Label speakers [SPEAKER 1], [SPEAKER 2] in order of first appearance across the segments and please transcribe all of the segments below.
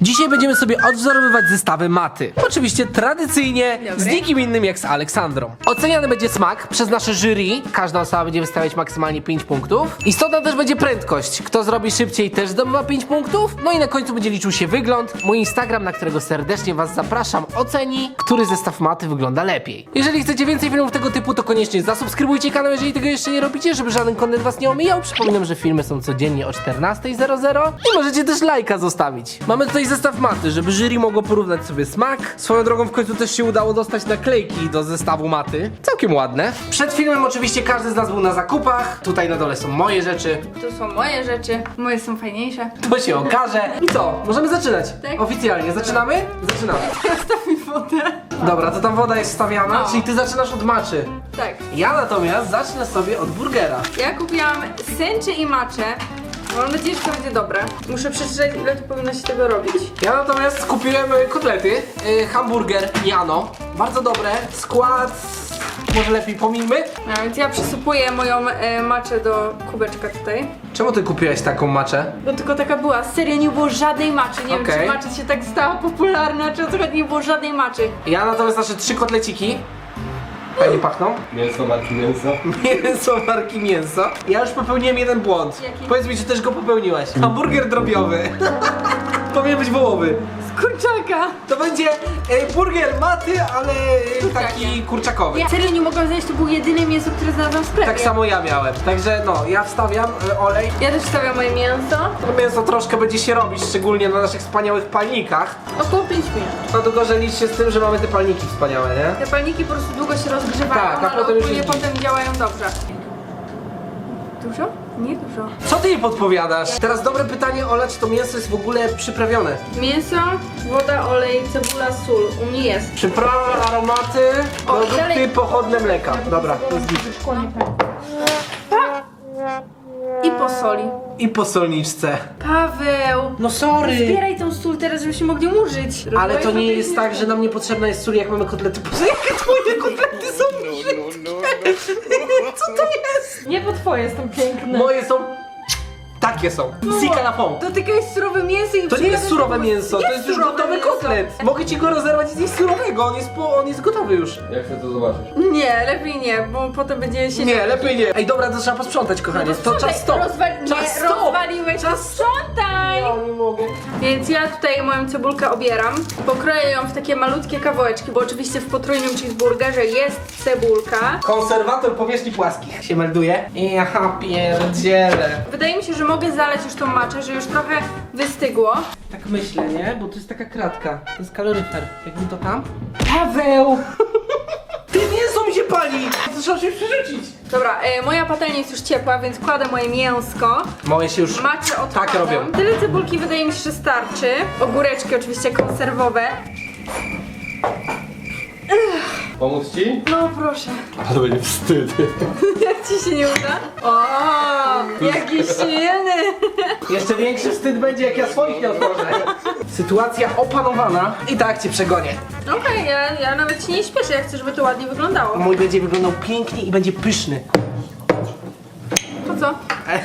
[SPEAKER 1] Dzisiaj będziemy sobie odwzorowywać zestawy maty. Oczywiście tradycyjnie z nikim innym jak z Aleksandrą. Oceniany będzie smak przez nasze jury. Każda osoba będzie wystawiać maksymalnie 5 punktów. Istotna też będzie prędkość. Kto zrobi szybciej, też zdobywa 5 punktów. No i na końcu będzie liczył się wygląd. Mój Instagram, na którego serdecznie was zapraszam, oceni, który zestaw maty wygląda lepiej. Jeżeli chcecie więcej filmów tego typu, to koniecznie zasubskrybujcie kanał, jeżeli tego jeszcze nie robicie, żeby żaden content was nie omijał. Przypominam, że filmy są codziennie o 14:00 i możecie też lajka zostawić. Mamy tutaj zestaw maty, żeby jury mogło porównać sobie smak. Swoją drogą w końcu też się udało dostać naklejki do zestawu maty. Całkiem ładne. Przed filmem oczywiście każdy z nas był na zakupach. Tutaj na dole są moje rzeczy.
[SPEAKER 2] Tu są moje rzeczy, moje są fajniejsze.
[SPEAKER 1] To się okaże. I co? Możemy zaczynać?
[SPEAKER 2] Tak.
[SPEAKER 1] Oficjalnie. Zaczynamy? Zaczynamy.
[SPEAKER 2] Zostaw mi wodę.
[SPEAKER 1] Dobra, to tam woda jest wstawiana,
[SPEAKER 2] No.
[SPEAKER 1] czyli ty zaczynasz od maczy.
[SPEAKER 2] Tak.
[SPEAKER 1] Ja natomiast zacznę sobie od burgera.
[SPEAKER 2] Ja kupiłam sęczy i maczę. Mam nadzieję, że to będzie dobre. Muszę przeczytać, ile tu powinno się tego robić.
[SPEAKER 1] Ja natomiast kupiłem kotlety, hamburger Jano. Bardzo dobre. Skład może lepiej pomijmy.
[SPEAKER 2] A więc ja przysypuję moją maczę do kubeczka tutaj.
[SPEAKER 1] Czemu ty kupiłeś taką maczę?
[SPEAKER 2] Bo tylko taka była. Serio, nie było żadnej maczy. Nie wiem,
[SPEAKER 1] Okej.
[SPEAKER 2] czy macza się tak stała popularna, czy o co chodzi, nie było żadnej maczy.
[SPEAKER 1] Ja natomiast nasze 3 kotleciki. Fajnie pachną.
[SPEAKER 3] Mięso, marki mięso.
[SPEAKER 1] Mięso marki mięso. Ja już popełniłem jeden błąd.
[SPEAKER 2] Jaki?
[SPEAKER 1] Powiedz mi, czy też go popełniłaś. Hamburger drobiowy. Powinien być wołowy.
[SPEAKER 2] Z kurczaka.
[SPEAKER 1] To będzie burger maty, ale taki
[SPEAKER 2] Kurczakiem.
[SPEAKER 1] kurczakowy.
[SPEAKER 2] Ja serio nie mogłam znaleźć, to było jedyne mięso, które znalazłam w sklepie.
[SPEAKER 1] Tak samo ja miałem. Także no, ja wstawiam olej.
[SPEAKER 2] Ja też wstawiam moje mięso.
[SPEAKER 1] To mięso troszkę będzie się robić, szczególnie na naszych wspaniałych palnikach.
[SPEAKER 2] Około 5 minut.
[SPEAKER 1] No tylko, że licz się z tym, że mamy te palniki wspaniałe, nie?
[SPEAKER 2] Te palniki po prostu długo się rozgrzewają,
[SPEAKER 1] Tak, a
[SPEAKER 2] ale
[SPEAKER 1] potem już
[SPEAKER 2] ogólnie
[SPEAKER 1] jest
[SPEAKER 2] potem działają dobrze. Dużo? Nie dużo.
[SPEAKER 1] Co ty jej podpowiadasz? Teraz dobre pytanie, Ola, czy to mięso jest w ogóle przyprawione?
[SPEAKER 2] Mięso, woda, olej, cebula, sól. U mnie jest.
[SPEAKER 1] Przyprawy, aromaty,
[SPEAKER 2] O,
[SPEAKER 1] produkty
[SPEAKER 2] dalej.
[SPEAKER 1] pochodne mleka. Dobra, to jest git.
[SPEAKER 2] I po soli.
[SPEAKER 1] I po solniczce.
[SPEAKER 2] Paweł!
[SPEAKER 1] No sorry!
[SPEAKER 2] Zbieraj tą sól teraz, żebyśmy mogli użyć.
[SPEAKER 1] Ale to nie jest tak, że nam niepotrzebna jest sól, jak mamy kotlety. Boże, jakie twoje kotlety są brzydkie! Co to jest?
[SPEAKER 2] Nie, bo twoje są piękne.
[SPEAKER 1] Moje są... Takie są. Sika na pont.
[SPEAKER 2] Dotykaj surowe mięso i
[SPEAKER 1] To nie jest surowe mięso, to jest już
[SPEAKER 2] surowe
[SPEAKER 1] gotowy
[SPEAKER 2] mięso.
[SPEAKER 1] kotlet. Mogę ci go rozerwać i zjeść surowego, on jest gotowy już.
[SPEAKER 3] Ja chcę to zobaczyć.
[SPEAKER 2] Nie, lepiej nie, bo potem będzie się...
[SPEAKER 1] Nie, lepiej nie. Ej, dobra, to trzeba posprzątać, kochanie. To czas stop. Czas stop.
[SPEAKER 2] Rozwaliłeś,
[SPEAKER 1] Czas stop.
[SPEAKER 2] sprzątaj!
[SPEAKER 1] Ja nie mogę.
[SPEAKER 2] Więc ja tutaj moją cebulkę obieram. Pokroję ją w takie malutkie kawałeczki, bo oczywiście w potrójnym cheeseburgerze jest cebulka.
[SPEAKER 1] Konserwator powierzchni płaskich się melduje. Ja pierdzielę.
[SPEAKER 2] Wydaje mi się, że mogę zalać już tą maczę, że już trochę wystygło.
[SPEAKER 1] Tak myślę, nie? Bo to jest taka kratka. To jest kaloryfer. Jakby to tam? Paweł! Ty mięso mi się pali! To trzeba się przerzucić.
[SPEAKER 2] Dobra, moja patelnia jest już ciepła, więc kładę moje mięsko.
[SPEAKER 1] Moje się już
[SPEAKER 2] Maczę odkładam.
[SPEAKER 1] tak robią.
[SPEAKER 2] Tyle cebulki wydaje mi się, że starczy. Ogóreczki oczywiście konserwowe.
[SPEAKER 3] Pomóc ci?
[SPEAKER 2] No proszę.
[SPEAKER 3] A to będzie wstyd.
[SPEAKER 2] Jak ci się nie uda? O, jaki silny!
[SPEAKER 1] Jeszcze większy wstyd będzie, jak ja swoich nie otworzę. Sytuacja opanowana. I tak cię przegonię.
[SPEAKER 2] Okej, ja nawet się nie śpieszę, ja chcę, żeby to ładnie wyglądało.
[SPEAKER 1] Mój będzie wyglądał pięknie i będzie pyszny.
[SPEAKER 2] To co?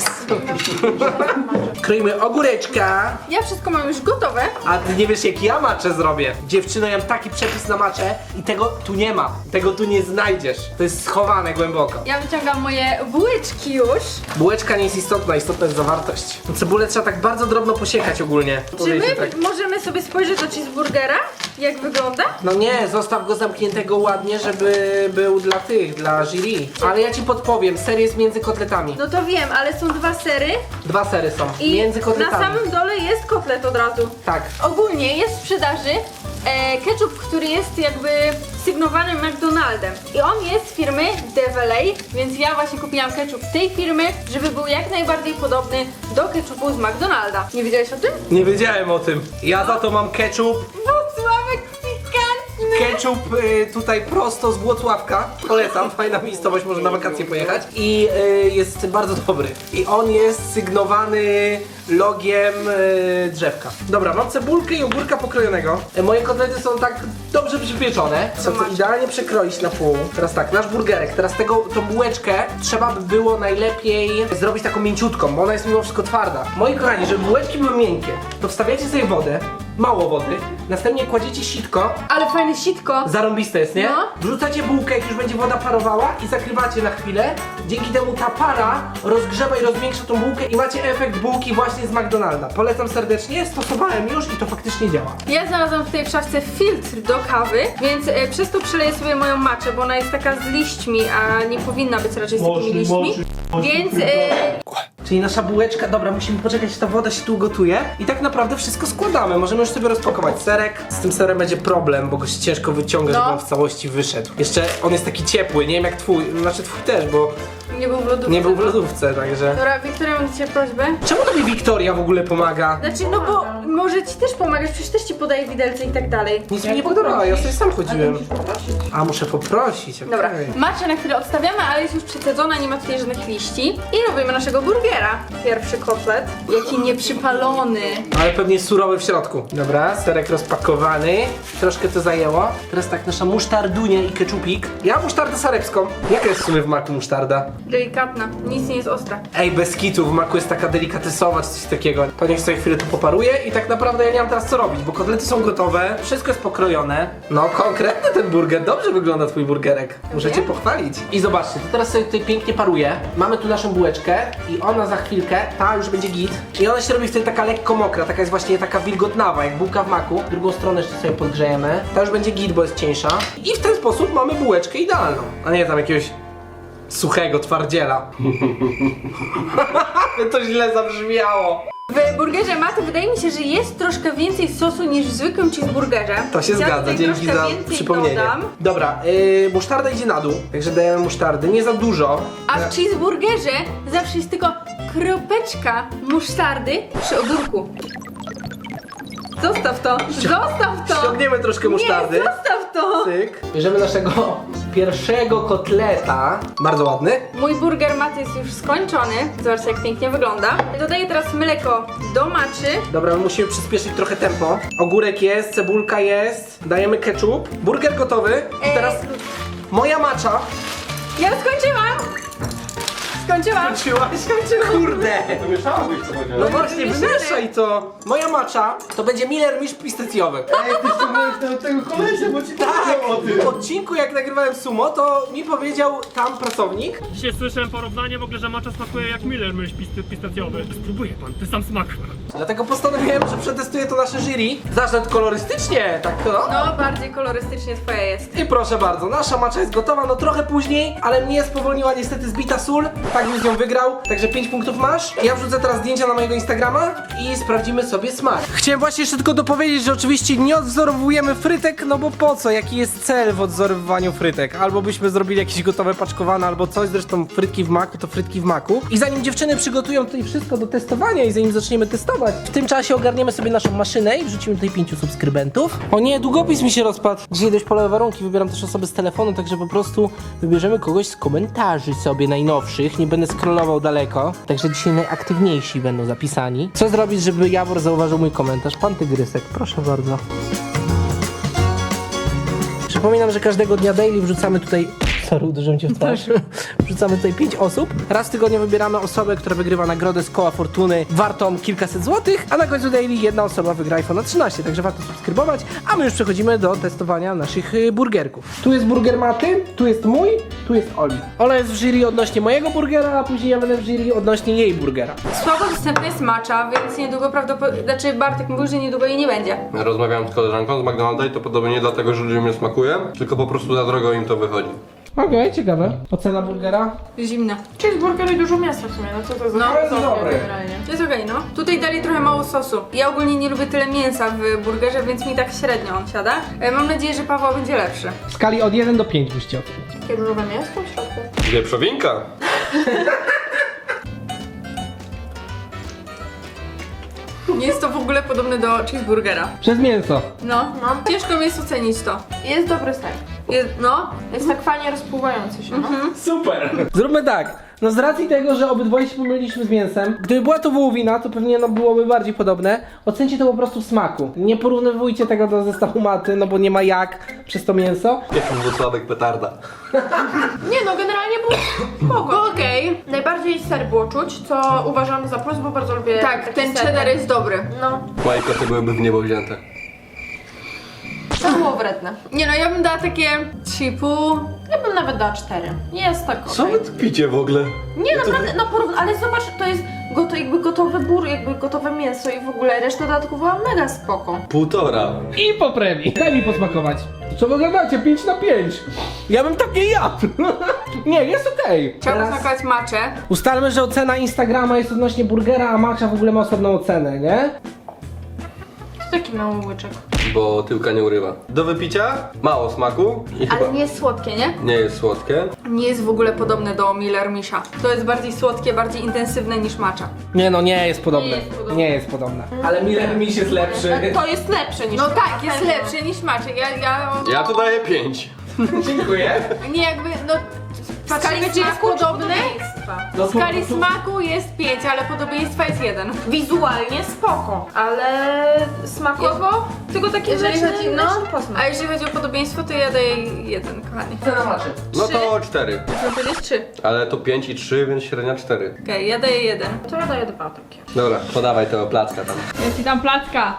[SPEAKER 1] Kroimy ogóreczka.
[SPEAKER 2] Ja wszystko mam już gotowe.
[SPEAKER 1] A ty nie wiesz, jak ja maczę zrobię. Dziewczyno, ja mam taki przepis na maczę i tego tu nie ma. Tego tu nie znajdziesz. To jest schowane głęboko.
[SPEAKER 2] Ja wyciągam moje bułeczki już.
[SPEAKER 1] Bułeczka nie jest istotna, istotna jest zawartość. Cebulę trzeba tak bardzo drobno posiekać ogólnie.
[SPEAKER 2] Czy
[SPEAKER 1] Powiedzmy
[SPEAKER 2] my
[SPEAKER 1] tak.
[SPEAKER 2] możemy sobie spojrzeć do cheeseburgera? Jak wygląda?
[SPEAKER 1] No nie, zostaw go zamkniętego ładnie, żeby był dla jury. Ale ja ci podpowiem, ser jest między kotletami.
[SPEAKER 2] No to wiem, ale są dwa sery
[SPEAKER 1] 2 sery są,
[SPEAKER 2] i
[SPEAKER 1] między
[SPEAKER 2] na
[SPEAKER 1] kotletami.
[SPEAKER 2] samym dole jest kotlet od razu.
[SPEAKER 1] Tak.
[SPEAKER 2] Ogólnie jest w sprzedaży ketchup, który jest jakby sygnowany McDonaldem. I on jest z firmy Develay, więc ja właśnie kupiłam ketchup tej firmy, żeby był jak najbardziej podobny do ketchupu z McDonalda. Nie wiedziałeś o tym?
[SPEAKER 1] Nie wiedziałem o tym. Ja za to mam ketchup.
[SPEAKER 2] Włocławek pikantny!
[SPEAKER 1] Ketchup tutaj prosto z Włocławka. Polecam, fajna miejscowość, może na wakacje pojechać. I jest bardzo dobry. I on jest sygnowany logiem drzewka. Dobra, mam cebulkę i ogórka pokrojonego. Moje kotlety są tak dobrze przypieczone. Chcę to idealnie przekroić na pół. Teraz tak, nasz burgerek. Teraz tą bułeczkę trzeba by było najlepiej zrobić taką mięciutką, bo ona jest mimo wszystko twarda. Moi kochani, żeby bułeczki były miękkie, to wstawiacie sobie wodę. mało wody. Następnie kładziecie sitko.
[SPEAKER 2] Ale fajne sitko.
[SPEAKER 1] Zarąbiste jest, nie?
[SPEAKER 2] No.
[SPEAKER 1] Wrzucacie bułkę, jak już będzie woda parowała i zakrywacie na chwilę. Dzięki temu ta para rozgrzewa i rozmiększa tą bułkę i macie efekt bułki właśnie z McDonalda. Polecam serdecznie, stosowałem już i to faktycznie działa.
[SPEAKER 2] Ja znalazłam tutaj w szafce filtr do kawy, więc przez to przeleję sobie moją maczę, bo ona jest taka z liśćmi, a nie powinna być raczej z takimi liśćmi. Więc
[SPEAKER 1] Czyli nasza bułeczka, dobra, musimy poczekać, aż ta woda się tu ugotuje i tak naprawdę wszystko składamy. Możemy już sobie rozpakować serek. Z tym serem będzie problem, bo go się ciężko wyciąga, żeby on w całości wyszedł. Jeszcze on jest taki ciepły, nie wiem jak twój, znaczy twój też, bo
[SPEAKER 2] nie był w lodówce.
[SPEAKER 1] nie był w lodówce, także...
[SPEAKER 2] Dobra, Wiktoria, mam do ciebie prośbę.
[SPEAKER 1] Czemu tobie Wiktoria w ogóle pomaga?
[SPEAKER 2] Znaczy, no bo może ci też pomagać, przecież też ci podaję widelce i tak dalej.
[SPEAKER 1] Nic mi nie podobało, ja sobie sam chodziłem. A, muszę poprosić, okej.
[SPEAKER 2] Dobra, maczę na chwilę odstawiamy, ale jest już przecedzona, nie ma tutaj żadnych liści. I robimy naszego burgera. Pierwszy kotlet. Jaki nieprzypalony.
[SPEAKER 1] Ale pewnie surowy w środku. Dobra, serek rozpakowany. Troszkę to zajęło. Teraz tak, nasza musztardunia i keczupik. Ja mam musztardę sarepską. Jaka jest w sumie w maku musztarda?
[SPEAKER 2] Delikatna, nic nie jest ostra.
[SPEAKER 1] Ej, bez kitu, w maku jest taka delikatesowa czy coś takiego. To niech sobie chwilę tu poparuje i tak naprawdę ja nie mam teraz co robić, bo kotlety są gotowe, wszystko jest pokrojone. No, konkretny ten burger, dobrze wygląda twój burgerek. Muszę cię pochwalić. I zobaczcie, to teraz sobie tutaj pięknie paruje. Mamy tu naszą bułeczkę i ona za chwilkę, ta już będzie git. I ona się robi wtedy taka lekko mokra, taka jest właśnie taka wilgotnawa, jak bułka w maku. Drugą stronę jeszcze sobie podgrzejemy. Ta już będzie git, bo jest cieńsza. I w ten sposób mamy bułeczkę idealną, a nie tam jakiegoś suchego twardziela. To źle zabrzmiało.
[SPEAKER 2] W burgerze maty wydaje mi się, że jest troszkę więcej sosu niż w zwykłym cheeseburgerze.
[SPEAKER 1] To się
[SPEAKER 2] Ja
[SPEAKER 1] zgadza,
[SPEAKER 2] tutaj
[SPEAKER 1] dzięki
[SPEAKER 2] troszkę
[SPEAKER 1] za
[SPEAKER 2] więcej
[SPEAKER 1] przypomnienie.
[SPEAKER 2] dodam.
[SPEAKER 1] Dobra, musztarda idzie na dół, także dajemy musztardy, nie za dużo.
[SPEAKER 2] A w cheeseburgerze zawsze jest tylko kropeczka musztardy przy ogórku. Zostaw to! Zostaw to!
[SPEAKER 1] Ściągniemy troszkę musztardy.
[SPEAKER 2] Nie, zostaw to!
[SPEAKER 1] Cyk. Bierzemy naszego pierwszego kotleta. Bardzo ładny.
[SPEAKER 2] Mój burger maty jest już skończony. Zobaczcie, jak pięknie wygląda. Dodaję teraz mleko do maczy.
[SPEAKER 1] Dobra, my musimy przyspieszyć trochę tempo. Ogórek jest, cebulka jest, dajemy ketchup. Burger gotowy. I teraz moja macza.
[SPEAKER 2] Ja skończyłam! Skończyłam!
[SPEAKER 1] Kurde!
[SPEAKER 3] Wymieszałabyś to chociaż.
[SPEAKER 1] No właśnie,
[SPEAKER 2] Wymieszane.
[SPEAKER 1] wymieszaj to. Moja macza to będzie Miller Misz pistacjowy.
[SPEAKER 3] Ej, ty ściągnąłeś tego kolesia, bo ci
[SPEAKER 1] Tak,
[SPEAKER 3] powiedział o tym.
[SPEAKER 1] w odcinku jak nagrywałem sumo, to mi powiedział tam pracownik.
[SPEAKER 4] Dzisiaj słyszałem porównanie w ogóle, że macza smakuje jak Miller mysz pistacjowy. Spróbuję pan, ty sam smak.
[SPEAKER 1] Dlatego postanowiłem, że przetestuję to nasze jury. Zacznę kolorystycznie, tak to.
[SPEAKER 2] No, bardziej kolorystycznie twoja jest.
[SPEAKER 1] I proszę bardzo, nasza macza jest gotowa, no trochę później, ale mnie spowolniła niestety zbita sól. Tak bym z nią wygrał, także 5 punktów masz. Ja wrzucę teraz zdjęcia na mojego Instagrama i sprawdzimy sobie smak. Chciałem właśnie jeszcze tylko dopowiedzieć, że oczywiście nie odwzorowujemy frytek, no bo po co? Jaki jest cel w odwzorowywaniu frytek? Albo byśmy zrobili jakieś gotowe paczkowane, albo coś, zresztą frytki w maku to frytki w maku. I zanim dziewczyny przygotują tutaj wszystko do testowania i zanim zaczniemy testować, w tym czasie ogarniemy sobie naszą maszynę i wrzucimy tutaj 5 subskrybentów. O nie, długopis mi się rozpadł. Dzisiaj dość polowe warunki, wybieram też osoby z telefonu, także po prostu wybierzemy kogoś z komentarzy sobie najnowszych. Nie będę scrollował daleko, także dzisiaj najaktywniejsi będą zapisani. Co zrobić, żeby Jawor zauważył mój komentarz? Pan Tygrysek, proszę bardzo. Przypominam, że każdego dnia daily wrzucamy tutaj... Sorry, uderzyłem cię w twarz. Wrzucamy tutaj 5 osób. Raz w tygodniu wybieramy osobę, która wygrywa nagrodę z koła fortuny wartą kilkaset złotych, a na końcu daily jedna osoba wygra iPhone 13, także warto subskrybować, a my już przechodzimy do testowania naszych burgerków. Tu jest burger Maty, tu jest mój, tu jest Oli. Ola jest w jury odnośnie mojego burgera, a później ja będę w jury odnośnie jej burgera.
[SPEAKER 2] Słabo dostępna jest macza, więc niedługo prawdopodobnie... Znaczy, Bartek mówił, że niedługo jej nie będzie.
[SPEAKER 3] Ja rozmawiałem z koleżanką z McDonalda i to podobnie nie dlatego, że ludziom nie smakuje, tylko po prostu za drogo im to wychodzi.
[SPEAKER 1] Okej, ciekawe. Ocena burgera?
[SPEAKER 2] Zimna.
[SPEAKER 5] Cheeseburger i dużo mięsa w sumie, no co to za
[SPEAKER 2] No,
[SPEAKER 1] jest dobre.
[SPEAKER 5] generalnie.
[SPEAKER 2] Jest okej, no. Tutaj dali trochę mało sosu. Ja ogólnie nie lubię tyle mięsa w burgerze, więc mi tak średnio on siada. Mam nadzieję, że Paweł będzie lepszy.
[SPEAKER 1] W skali od 1 do 5 byście ocenić.
[SPEAKER 5] Takie różowe mięsko w środku.
[SPEAKER 3] Wieprzowinka.
[SPEAKER 2] Nie jest to w ogóle podobne do cheeseburgera.
[SPEAKER 1] Przez mięso.
[SPEAKER 2] No, ciężko mi jest ocenić to.
[SPEAKER 5] Jest dobry ser. Jest tak fajnie rozpływający się, no.
[SPEAKER 1] Super! Zróbmy tak. No z racji tego, że obydwoje się pomyliliśmy z mięsem, gdyby była to wołowina, to pewnie no byłoby bardziej podobne. Ocencie to po prostu w smaku. Nie porównywujcie tego do zestawu maty, no bo nie ma jak przez to mięso.
[SPEAKER 3] Jakiś Włocławek petarda.
[SPEAKER 5] Nie no, generalnie było spoko.
[SPEAKER 2] Okej.
[SPEAKER 5] Najbardziej ser było czuć, co uważam za plus, bo bardzo lubię
[SPEAKER 2] Tak,
[SPEAKER 5] taki
[SPEAKER 2] ten
[SPEAKER 5] ser.
[SPEAKER 2] cheddar jest dobry.
[SPEAKER 5] No,
[SPEAKER 3] Moje koty byłyby w niebo wzięte.
[SPEAKER 5] to było wredne.
[SPEAKER 2] Nie no, ja bym dała takie 3,5.
[SPEAKER 5] Ja bym nawet dała 4. Jest tak
[SPEAKER 3] Co
[SPEAKER 5] okej.
[SPEAKER 3] wy tu picie w ogóle?
[SPEAKER 5] Nie, naprawdę, no ale zobacz, to jest jakby gotowy jakby gotowe mięso i w ogóle reszta dodatków była mega spoko.
[SPEAKER 3] 1,5.
[SPEAKER 1] I po premii. Daj mi posmakować. Co wy gadacie? 5 na 5. Ja bym tak nie jadł. Nie, jest okej.
[SPEAKER 2] Chciałabym
[SPEAKER 1] Teraz
[SPEAKER 2] smakować maczę.
[SPEAKER 1] ustalmy, że ocena Instagrama jest odnośnie burgera, a matcha w ogóle ma osobną ocenę, nie?
[SPEAKER 5] To taki mały łyczek.
[SPEAKER 3] Bo tyłka nie urywa. Do wypicia mało smaku i chyba
[SPEAKER 2] Ale nie jest słodkie, nie?
[SPEAKER 3] nie jest słodkie.
[SPEAKER 2] Nie jest w ogóle podobne do Miller Misha. To jest bardziej słodkie, bardziej intensywne niż matcha.
[SPEAKER 1] Nie no, nie jest podobne.
[SPEAKER 2] Nie jest podobne.
[SPEAKER 1] Nie jest podobne. Ale Miller Miś jest lepszy.
[SPEAKER 5] To jest lepsze niż
[SPEAKER 2] No
[SPEAKER 5] to,
[SPEAKER 2] tak,
[SPEAKER 5] na
[SPEAKER 2] jest
[SPEAKER 5] pewno.
[SPEAKER 2] lepsze niż matcha.
[SPEAKER 3] Ja tu daję 5.
[SPEAKER 1] Dziękuję.
[SPEAKER 2] Nie jakby, no... W skali
[SPEAKER 5] Patrzymy, czy jest
[SPEAKER 2] smaku
[SPEAKER 5] podobne?
[SPEAKER 1] No,
[SPEAKER 2] W skali smaku jest 5, ale podobieństwa jest 1.
[SPEAKER 5] Wizualnie spoko, ale smakowo tylko taki
[SPEAKER 2] Jeżeli
[SPEAKER 5] mleczny,
[SPEAKER 2] chodzi, no,
[SPEAKER 5] mleczny posmak.
[SPEAKER 2] a jeżeli chodzi o podobieństwo, to ja daję 1, kochani.
[SPEAKER 1] Cena maczy.
[SPEAKER 3] No to 4.
[SPEAKER 2] Chcę powiedzieć 3.
[SPEAKER 3] Ale to 5 i 3, więc średnia 4.
[SPEAKER 2] Okej, ja daję 1.
[SPEAKER 5] To ja daję 2 takie.
[SPEAKER 3] Dobra, podawaj tego placka tam.
[SPEAKER 2] Ja ci dam placka.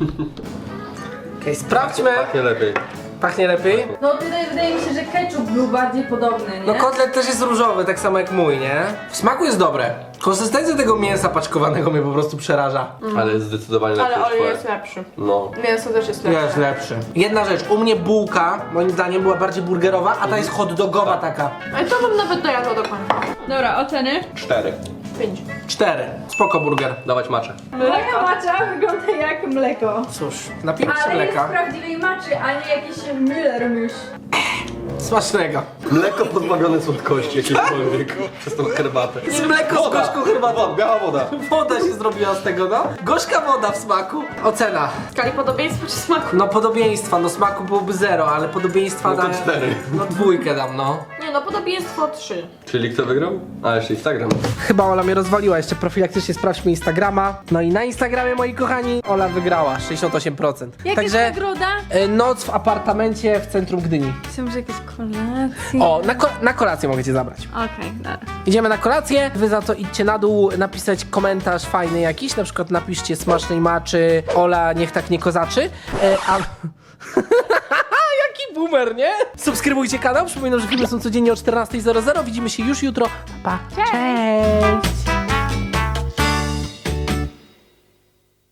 [SPEAKER 1] Okej, sprawdźmy.
[SPEAKER 3] Pachnie lepiej.
[SPEAKER 1] Pachnie lepiej?
[SPEAKER 2] No tutaj wydaje mi się, że ketchup był bardziej podobny, nie?
[SPEAKER 1] No kotlet też jest różowy, tak samo jak mój, nie? W smaku jest dobre. Konsystencja tego mięsa paczkowanego mnie po prostu przeraża.
[SPEAKER 3] Ale jest zdecydowanie lepszy
[SPEAKER 5] Ale
[SPEAKER 3] niż
[SPEAKER 5] olej
[SPEAKER 3] twoje.
[SPEAKER 5] jest lepszy.
[SPEAKER 3] No.
[SPEAKER 5] Mięso też jest lepsze.
[SPEAKER 1] Jest lepszy. Jedna rzecz, u mnie bułka, moim zdaniem, była bardziej burgerowa, a ta jest hot dogowa taka.
[SPEAKER 5] Ale to bym nawet dojadła do końca.
[SPEAKER 2] Dobra, oceny.
[SPEAKER 3] 4.
[SPEAKER 5] 5.
[SPEAKER 1] 4. Spoko burger.
[SPEAKER 3] Dawać maczę.
[SPEAKER 2] Moja macza wygląda jak mleko.
[SPEAKER 1] Cóż, napijmy się
[SPEAKER 2] Ale jest
[SPEAKER 1] mleka.
[SPEAKER 2] prawdziwej maczy, a nie jakiś Miller Mish.
[SPEAKER 1] Smacznego.
[SPEAKER 3] Mleko pozbawione słodkości jakiejkolwiek przez tą herbatę.
[SPEAKER 1] Jest mleko z gorzką herbatą.
[SPEAKER 3] Biała woda.
[SPEAKER 1] Woda się zrobiła z tego, no. Gorzka woda w smaku. Ocena.
[SPEAKER 5] W skali podobieństwa czy smaku?
[SPEAKER 1] No podobieństwa, no smaku byłoby 0, ale podobieństwa
[SPEAKER 3] No to
[SPEAKER 1] daję-
[SPEAKER 3] 4.
[SPEAKER 1] No 2 dam, no.
[SPEAKER 5] Nie no, podobieństwo 3.
[SPEAKER 3] Czyli kto wygrał? A, jeszcze Instagram.
[SPEAKER 1] Chyba Ola mnie rozwaliła, jeszcze profilaktycznie sprawdźmy Instagrama. No i na Instagramie, moi kochani, Ola wygrała 68%.
[SPEAKER 2] Jaka
[SPEAKER 1] Także
[SPEAKER 2] jest nagroda?
[SPEAKER 1] noc w apartamencie w centrum Gdyni.
[SPEAKER 2] Myślałam, że jakieś kolacje.
[SPEAKER 1] O, na kolację mogę cię zabrać.
[SPEAKER 2] Okej, dobra.
[SPEAKER 1] Idziemy na kolację, wy za to idźcie na dół, napisać komentarz fajny jakiś, na przykład napiszcie smacznej maczy, Ola niech tak nie kozaczy, a... Jaki boomer, nie? Subskrybujcie kanał, przypominam, że filmy są codziennie o 14:00. Widzimy się już jutro. Pa, pa. Cześć.